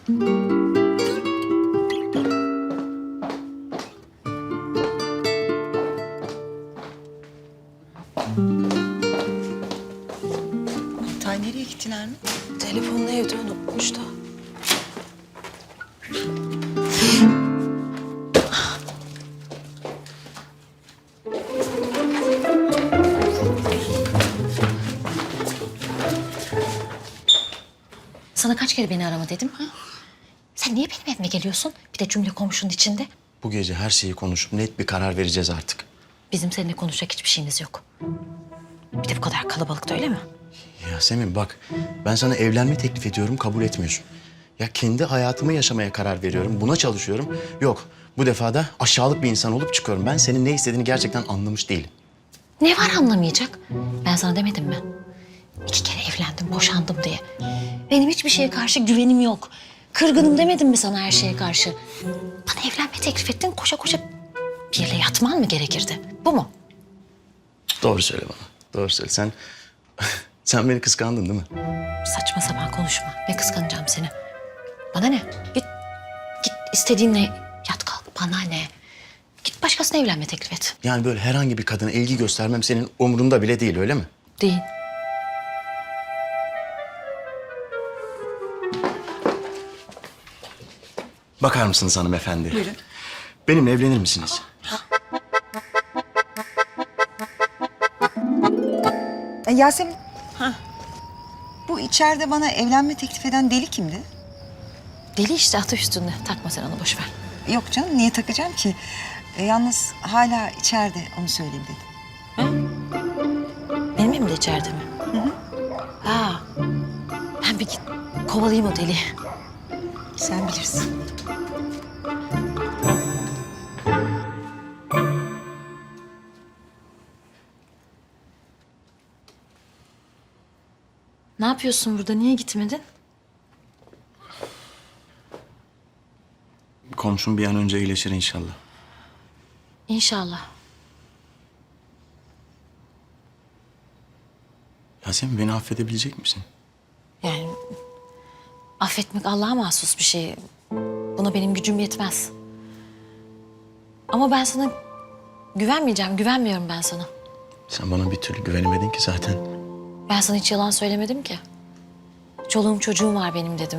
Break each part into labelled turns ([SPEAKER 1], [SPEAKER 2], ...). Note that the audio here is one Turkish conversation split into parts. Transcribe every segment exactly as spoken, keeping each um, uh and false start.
[SPEAKER 1] Tay nereye gittiler mi?
[SPEAKER 2] Telefonunu evde unutmuş da. Sana kaç kere beni arama dedim ha? Sen niye benim evime geliyorsun? Bir de cümle komşunun içinde.
[SPEAKER 3] Bu gece her şeyi konuşup net bir karar vereceğiz artık.
[SPEAKER 2] Bizim seninle konuşacak hiçbir şeyimiz yok. Bir de bu kadar kalabalıkta, öyle mi?
[SPEAKER 3] Yasemin bak, ben sana evlenme teklif ediyorum, kabul etmiyorsun. Ya kendi hayatımı yaşamaya karar veriyorum, buna çalışıyorum. Yok, bu defa da aşağılık bir insan olup çıkıyorum. Ben senin ne istediğini gerçekten anlamış değilim.
[SPEAKER 2] Ne var anlamayacak? Ben sana demedim mi? İki kere evlendim, boşandım diye. Benim hiçbir şeye karşı güvenim yok. Kırgınım demedim mi sana her şeye karşı? Bana evlenme teklif ettin, koşa koşa biriyle yatman mı gerekirdi? Bu mu?
[SPEAKER 3] Doğru söyle bana, doğru söyle. Sen, sen beni kıskandın değil mi?
[SPEAKER 2] Saçma sapan konuşma. Ne kıskanacağım seni? Bana ne? Git, git istediğinle yat kalk. Bana ne? Git başkasına evlenme teklif et.
[SPEAKER 3] Yani böyle herhangi bir kadına ilgi göstermem senin umurunda bile değil, öyle mi?
[SPEAKER 2] Değil.
[SPEAKER 3] Bakar mısınız hanımefendi?
[SPEAKER 1] Buyurun.
[SPEAKER 3] Benimle evlenir misiniz?
[SPEAKER 1] E, Yasemin. Ha. Bu içeride bana evlenme teklif eden deli kimdi?
[SPEAKER 2] Deli işte, atı üstünde. Takma sen onu, boş ver.
[SPEAKER 1] Yok canım, niye takacağım ki? E, yalnız hala içeride, onu söyleyeyim dedim.
[SPEAKER 2] Benim evim de içeride mi? Hı hı. Ha. Ben bir git kovalayayım o deliği.
[SPEAKER 1] Sen bilirsin.
[SPEAKER 2] Ne yapıyorsun burada? Niye gitmedin?
[SPEAKER 3] Komşum bir an önce iyileşir inşallah.
[SPEAKER 2] İnşallah.
[SPEAKER 3] Yasemin, beni affedebilecek misin?
[SPEAKER 2] Yani affetmek Allah'a mahsus bir şey. Buna benim gücüm yetmez. Ama ben sana güvenmeyeceğim. Güvenmiyorum ben sana.
[SPEAKER 3] Sen bana bir türlü güvenemedin ki zaten.
[SPEAKER 2] Ben sana hiç yalan söylemedim ki. Çoluğum çocuğum var benim dedim.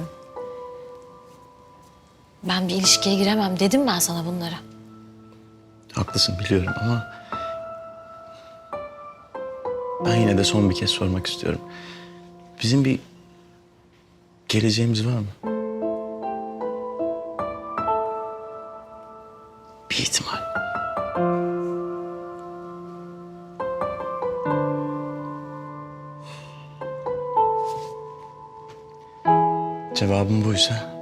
[SPEAKER 2] Ben bir ilişkiye giremem dedim ben sana bunları.
[SPEAKER 3] Haklısın biliyorum ama... ben yine de son bir kez sormak istiyorum. Bizim bir geleceğimiz var mı? Bir ihtimal. Cevabım buysa...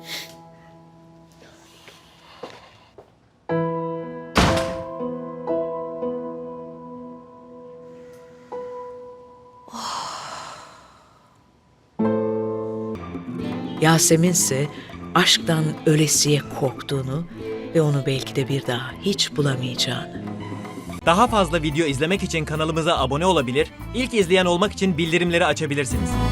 [SPEAKER 4] Yasemin ise aşktan ölesiye korktuğunu ve onu belki de bir daha hiç bulamayacağını.
[SPEAKER 5] Daha fazla video izlemek için kanalımıza abone olabilir, ilk izleyen olmak için bildirimleri açabilirsiniz.